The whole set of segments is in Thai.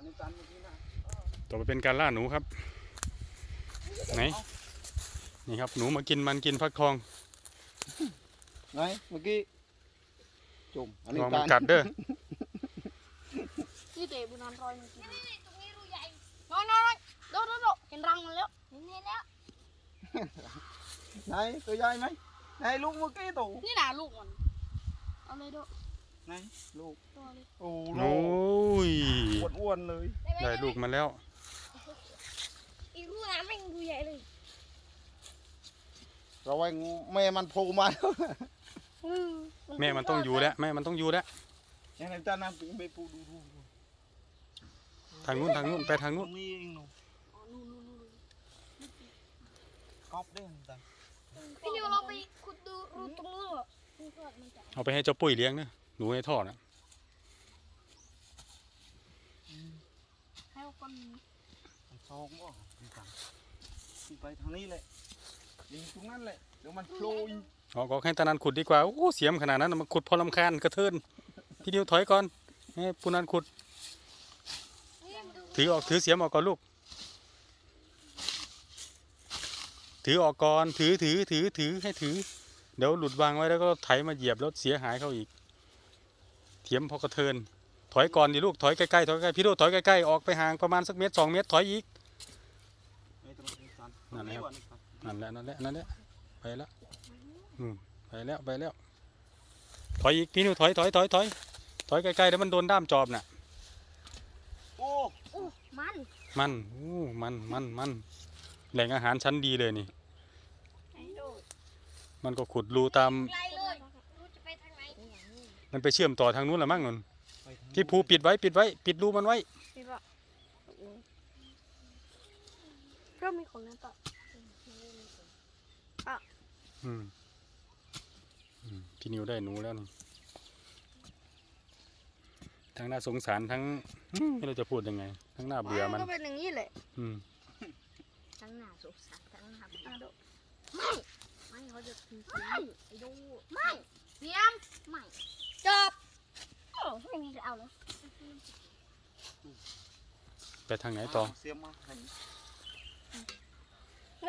นี่ตันเมื่อกี้นะต่อไปเป็นการล่าหนูครับไหนนี่ครับหนูมากินมันกินฟักทองไหนเมื่อกี้จุ่มอันนี้ลองตัมัน นกัดเด้อนี่เตะบุญนอนรอยมันกินตรงนี้รูใหญ่น้อยโดเห็นรังมันแล้วเห็นแล้วไหนตัวใหญ่ไหมไหนลูกเมื่อกี้ตัวนี่น่ะลูกมันเอาเลยโดไหนลูกตัวเลยโอ้โอ้ยอ้วนๆเลยได้ลูกมาแล้วอีกลูกน้ำแม่งดูใหญ่เลยเราไว้แม่มันโผล่มาแม่มันต้องอยู่แล้วแม่มันต้องอยู่แล้วยังไงจ้าน้ำถึงไปปูดูทางนู้นไปทางนู้นนี่เองหนูนู่นก๊อปได้จ้าพี่นิวเราไปขุดดูรูตรงนู้นเหรอนี่ก็มันจะเอาไปให้เจ้าปุ้ยเลี้ยงนะหนูในท่อนะให้คนซองบ่จ้าไปทางนี้เลยยิงตรงนั้นเลยเดี๋ยวมันโผล่อีกเอาก็ให้ตานันขุดดีกว่าโอ้เสียมขนาดนั้นน่ะมันขุดพอลำคาญกระเทินพี่นิวถอยก่อนให้ปูนันขุดนี่มาดูถือเสียมออกก่อนลูกถือออกก่อนถือให้ถือเดี๋ยวหลุดวางไว้แล้วก็ไถมาเหยียบแล้วเสียหายเขาอีกเถียมพอกระเทินถอยก่อนดิลูกถอยใกล้ๆพี่โดถอยใกล้ๆออกไปห่างประมาณสักเมตร2 เมตรถอยอีกนั่นแหละไปแล้วไปแล้วถอยอีกพี่นิวถอยใกล้ๆเดี๋ยวมันโดนด้ามจอบน่ะโอ้โอ้มันมันแหล่งอาหารชั้นดีเลยนี่ไอ้โดมันก็ขุดรูตามไกลเลยรู้จะไปทางไหนมันไปเชื่อมต่อทางนู้นละมั้งนนพี่ภูปิดรูมันไว้พี่ปะเริ่มมีคนแล้วปะพี่นิวได้หนูแล้วนี่ทั้งน่าสงสารทั้งไม่รู้จะพูดยังไงทั้งน่าเบื่อมันก็เป็นอย่างนี้แหละทั้งหน้าสงสารทั้งหน้าอ่ะโดไม่เขาจะทิ้งไม่ไอ้ดูไม่เสียมไม่จบโอ้ไม่มีจะเอาเลยไปทางไหนต่อเสียมาเลย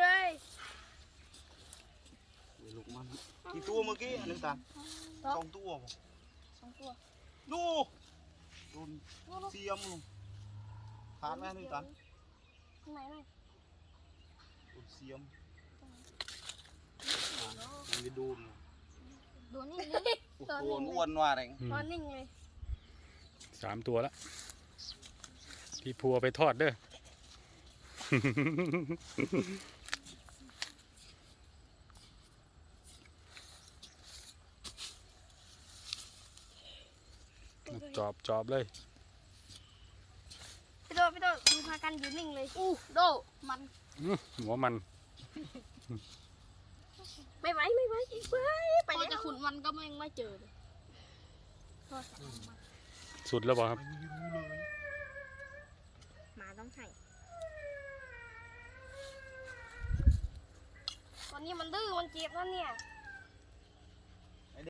ลูกมันกี่ตัวเมื่อกี้อันนี้ตา2 ตัวบ่ 2 ตัวดูโดนเสียมลงผ่านไหมนี่ตาข้างในเลยโดนเสียมมันจะโดนดูนี่เลยโอ้โหอ้วนว่าแรงนอนนิ่งเลย 3 ตัวแล้วพี่ภูเอาไปทอดเด้อ จอบเลยพี่โดดูพากันอยู่นิ่งเลยโดมันหัวมันไม่ไหวไปพอจะขุนมันก็ไม่เจอเลยโทษมันสุดแล้วบอกครับไม่รู้เลยหมาต้องให้ตอนนี้มันดื้อมันเจ็บแล้วเนี่ย